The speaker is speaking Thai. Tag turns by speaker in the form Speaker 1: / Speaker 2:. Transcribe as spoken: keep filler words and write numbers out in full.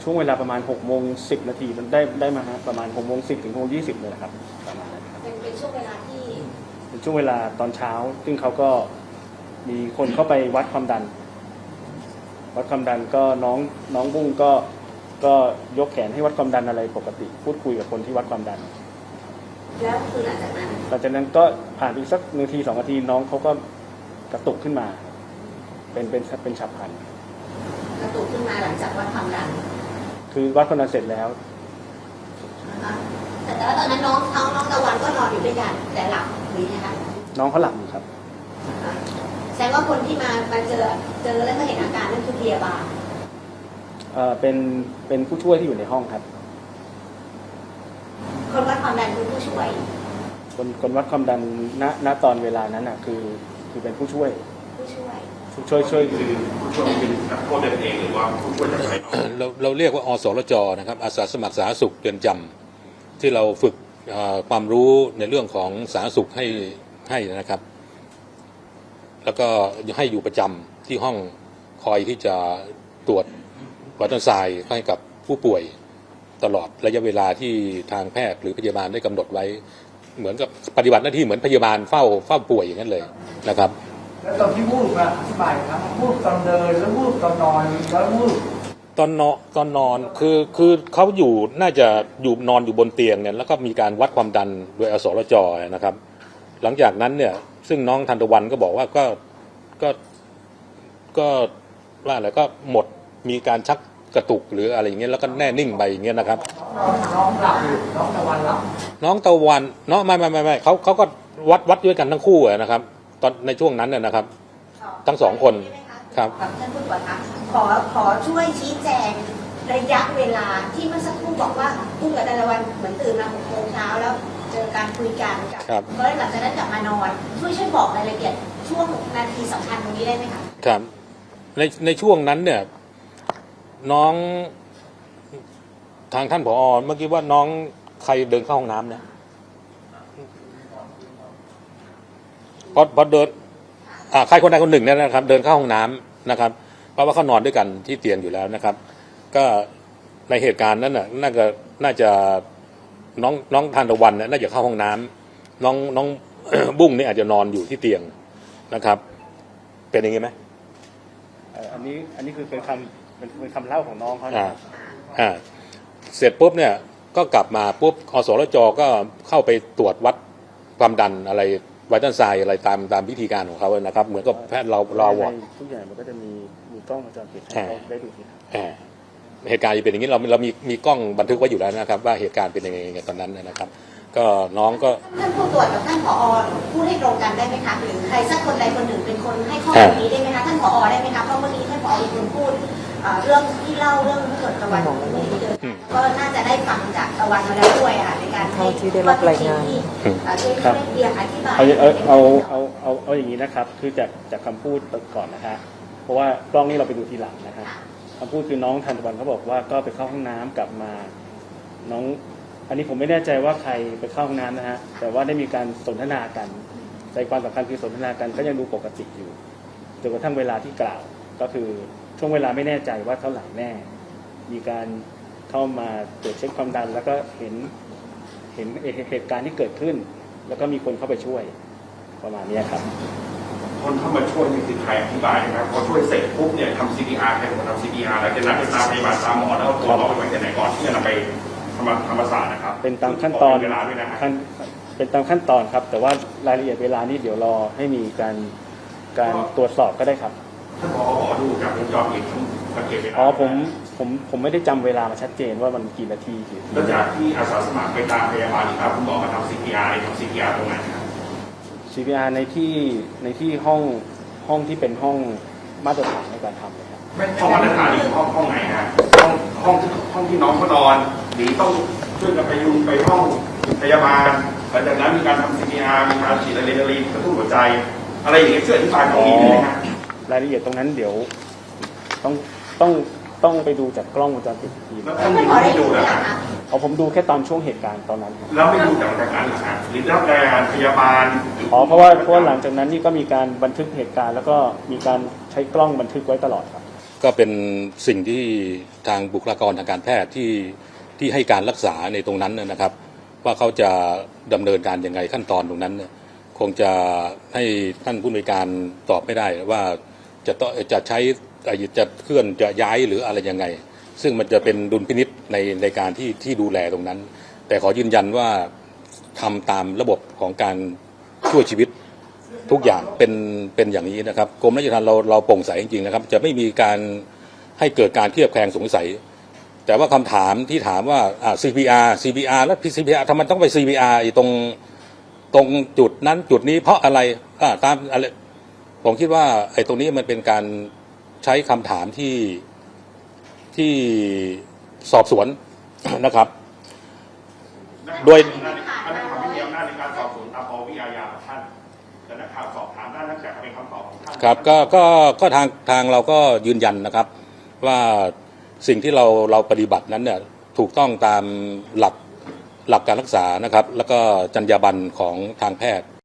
Speaker 1: ช่วงเวลาประมาณหกโมงสิบนาทีมันได้ได้มาฮะประมาณหกโมงสิบถึงหกโมงยี่สิบเลยแหละครับประมาณนั้นครับ
Speaker 2: เป็นเป็นช่วงเวลาที่
Speaker 1: เป็นช่วงเวลาตอนเช้าซึ่งเขาก็มีคนเข้าไปวัดความดันวัดความดันก็น้องน้องบุ้งก็ก็ยกแขนให้วัดความดันอะไรปกติพูดคุยกับคนที่วัดความดัน
Speaker 2: แล้วคือหลังจากนั้น
Speaker 1: หลังจากนั้นก็ผ่านไปสักนาทีสองนาทีน้องเขาก็กระตุกขึ้นมาเป็นเป็นเป็นฉับพลัน
Speaker 2: กระตุกขึ้นมาหลังจากวัดความดัน
Speaker 1: คือวัดความดันเสร็จแล้ว
Speaker 2: นะคะแต่แต่ว่าตอนนั้นน้องน้องน้องตะวันก็นอนอยู่ด้วยกันแต่หลับหรือยังไง
Speaker 1: น้องเขาหลับอยู่ครับ
Speaker 2: แสดงว่าคนที่มามาเจอเจอแล้วก็เห็นอาการนั่นคือพยาบาล
Speaker 1: เอ่อเป็นเป็นผู้ช่วยที่อยู่ในห้องครับ
Speaker 2: คนวัดความดันคือผู้ช่วย
Speaker 1: คนคนวัดความดันณณตอนเวลานั้นอ่ะคือคือเป็นผู้ช่วย
Speaker 2: ผู้ช่วย
Speaker 1: ผู้ช่วยช่วย
Speaker 3: คือผู้ช่วยเป็นนักโทษเดินเองหรือว่าผู้ช่วยจากใคร
Speaker 4: เราเราเรียกว่าอสรจนะครับอาสาสมัครสาธารณสุขเรือนจำที่เราฝึกความรู้ในเรื่องของสาธารณสุขให้ให้นะครับแล้วก็ให้อยู่ประจำที่ห้องคอยที่จะตรวจวัดน้ำทรายให้กับผู้ป่วยตลอดระยะเวลาที่ทางแพทย์หรือพยาบาลได้กำหนดไว้เหมือนกับปฏิบัติหน้าที่เหมือนพยาบาลเฝ้าเฝ้าป่วยอย่างนั้นเลยนะครับ
Speaker 5: แล้วตอนที่วูบอะอธิบายครับวูบตอนเดินแล้ววูบตอนนอนแล้ววูบ
Speaker 4: ตอนนอนตอนนอนคือคือเขาอยู่น่าจะอยู่นอนอยู่บนเตียงเนี่ยแล้วก็มีการวัดความดันโดยอสรจนะครับหลังจากนั้นเนี่ยซึ่งน้องทันตะวันก็บอกว่าก็ก็ก็ว่าอะไรก็หมดมีการชักกระตุกหรืออะไรอย่างเงี้ยแล้วก็แน่นิ่งไปอย่างเงี้ยนะครับ
Speaker 5: น้องหลับอยู่น้องตะวันหลับ
Speaker 4: น้องตะวันเนาะไม่ไม่ไม่ไม่เขาเขาก็วัดวัดด้วยกันทั้งคู่นะครับตอนในช่วงนั้นน่ยนะครับทั้งสองคนครับ
Speaker 2: ท่านผู้ตรวจคะขอขอช่วยชี้แจงระยะเวลาที่เมื่อสักครู่บอกว่าพุ่งกับตะวันเหมือนตื่นมาหกโมงเช้าแล้วเจอการคุยกันกับก็หลังจากนั้นกลับมานอนช่วยช่วยบอกรายละเอียดช่วงนาทีสำคัญตรงนี้ได้ไหมคะ
Speaker 4: ครับในในช่วงนั้นเนี่ยน้องทางท่านผอ.เมื่อกี้ว่าน้องใครเดินเข้าห้องน้ำเนี่ยพอพอเดินอ่าใครคนใดคนหนึ่งเนี่ยนะครับเดินเข้าห้องน้ำนะครับเพราะว่าเขานอนด้วยกันที่เตียงอยู่แล้วนะครับก็ในเหตุการณ์นั้นน่ะน่าจะน่าจะน้องน้องทานตะวันเนี่ยน่าจะเข้าห้องน้ำน้องน้อง บุ้งนี่อาจจะนอนอยู่ที่เตียงนะครับเป็นอย่างงี้ไหม
Speaker 1: อันนี้อันนี้คือเป็นคำเป็นเป็นคำเล่าของน้องเขา
Speaker 4: อ่าอ่าเสร็จปุ๊บเนี่ยก็กลับมาปุ๊บอสรจก็เข้าไปตรวจวัดความดันอะไรไวตัลไซด์อะไรตามตามวิธีการของเขาเลยนะครับเหมือนกับแพทย์เราเราวอด
Speaker 1: ทุกอย่างมันก็จะมีมีกล้องวงจรปิดให้เขาได้ดูที่
Speaker 4: เหตุการณ์จะเป็นอย่างนี้เราเรามีมีกล้องบันทึกไว้อยู่แล้วนะครับว่าเหตุการณ์เป็นยังไงตอนนั้นนะครับก็น้องก็
Speaker 2: ท่านผู้ตรวจกับท่านผอ.พูดให้ตรงกันได้ไหมคะหรือใครสักคนใดคนหนึ่งเป็นคนให้ข้อมูลนี้ได้ไหมคะท่านผอ.ได้ไหมคะเพราะเมื่อกี้ท่านผอ.เป็นคนพูดเรื่องที่เล่าเรื่องเกิดตะวันที่เดินก็น่าจะได้ฟังจากตะวันมาแล้วด้วยค่ะในการให้
Speaker 6: ที่ได้รับรายงาน
Speaker 2: ช่วยเรียนอธิบาย
Speaker 1: เอาเอาเอาเอาเอาเอาอย่างนี้นะครับคือจากจากคำพูดก่อนนะฮะเพราะว่ากล้องนี้เราไปดูทีหลังนะครับคำพูดคือน้องทันตะวันเขาบอกว่าก็ไปเข้าห้องน้ำกลับมาน้องอันนี้ผมไม่แน่ใจว่าใครไปเข้าห้องน้ำนะฮะแต่ว่าได้มีการสนทนากันใจความสำคัญคือสนทนากันก็ยังดูปกติอยู่จนกระทั่งเวลาที่กล่าวก็คือช่วงเวลาไม่แน่ใจว่าเท่าไหร่แน่มีการเข้ามาตรวจเช็คความดันแล้วก็เห็นเห็นเหตุการณ์ที่เกิดขึ้นแล้วก็มีคนเข้าไปช่วยประมาณนี้ครับ
Speaker 3: คนเข้ามาช่วยนี่คือใครอธิบายนะครับพอช่วยเสร็จปุ๊บเนี่ยทำ ซี พี อาร์ ใครเป็นคนทำ ซี พี อาร์ แล้วจะนัดไปตามพยาบาลตามหมอแล้วตัวเราไปไว้ที่ไหนก่อนที่จะนำไปธรรมธรรมศาสตร์นะครับ
Speaker 1: เป็นตามขั้นตอนเวลาด้วยนะขั้นเป็นตามขั้นตอนครับแต่ว่ารายละเอียดเวลานี้เดี๋ยวรอให้มีการการตรวจสอบก็ได้ครับ
Speaker 3: ท่านผอ.ดูจากวงจรปิดสังเกตเวลา
Speaker 1: อ๋อผมผมผมไม่ได้จำเวลามาชัดเจนว่ามันกี่นาทีกี่
Speaker 3: แล้วจากที่อาสาสมัครไปตามพยาบาลครับคุณหมอมาทำ ซี พี อาร์ ทำ ซี พี อาร์ ตรงไหนครับ
Speaker 1: ซี พี อาร์ ในที่ในที่ห้องห้องที่เป็นห้องมาตรฐานในการทำเลยครับ
Speaker 3: ไม่ห้องมาตรฐานหรือห้องห้องไหนฮะห้องห้องห้องที่น้องเขานอนหรือต้องช่วยกันไปยุงไปห้องพยาบาลหลังจากนั้นมีการทำ ซี พี อาร์ มีการฉีดอะดรีนาลีนกระตุ้นหัวใจอะไรอย่างเงี้ยช่วยอธิบายตรงนี้ได้ไหมครับ
Speaker 1: รายละเอียดตรงนั้นเดี๋ยวต้องต้องต้องไปดูจากกล้องวงจรปิดที
Speaker 3: แล้วท่านไม่ดูนะครับ
Speaker 1: เอาผมดูแค่ตอนช่วงเหตุการณ์ตอนนั้น
Speaker 3: แล้วไม่ดูจากจากนั้นหรอครับหรือรับรายงานพยาบาล
Speaker 1: อ๋อเพราะว่าเพราะหลังจากนั้นนี่ก็มีการบันทึกเหตุการณ์แล้วก็มีการใช้กล้องบันทึกไว้ตลอดครับ
Speaker 4: ก็เป็นสิ่งที่ทางบุคลากรทางการแพทย์ที่ที่ให้การรักษาในตรงนั้นนะครับ ว่าเขาจะดำเนินการยังไงขั้นตอนตรงนั้นเนี่ยคงจะให้ท่านผู้อำนวยการตอบไม่ได้ว่าจะต้องจะใช้จะเคลื่อนจะย้ายหรืออะไรยังไง ซึ่งมันจะเป็นดุลพินิษในในการที่ที่ดูแลตรงนั้น แต่ขอยืนยันว่าทำตามระบบของการช่วยชีวิตทุกอย่างเป็นเป็นอย่างนี้นะครับกรมราชทัณฑ์เราเราโปร่งใสจริงๆนะครับจะไม่มีการให้เกิดการเคลือบแคลงสงสัย แต่ว่าคำถามที่ถามว่าอ่า ซี พี อาร์ ซี พี อาร์ แล้ว ซี พี อาร์ ทำไมต้องไป ซี พี อาร์ ตรงตรงจุดนั้นจุดนี้เพราะอะไรอ่าตามอะไรผมคิดว่าไอ้ตรงนี้มันเป็นการใช้คำถามที่ที่สอบสวน นะครับ โดย
Speaker 3: นักข่าวไม่มีอำนาจในการสอบสวนตามปวิอาญาของท่านแต่นักข่าวสอบถามได้นั่นจะเป็นคำตอบของท่าน
Speaker 4: ครับก็ก็ก็ทางทางเราก็ยืนยันนะครับว่าสิ่งที่เราเราปฏิบัตินั้นเนี่ยถูกต้องตามหลักหลักการรักษานะครับแล้วก็จรรยาบรรณของทางแพทย์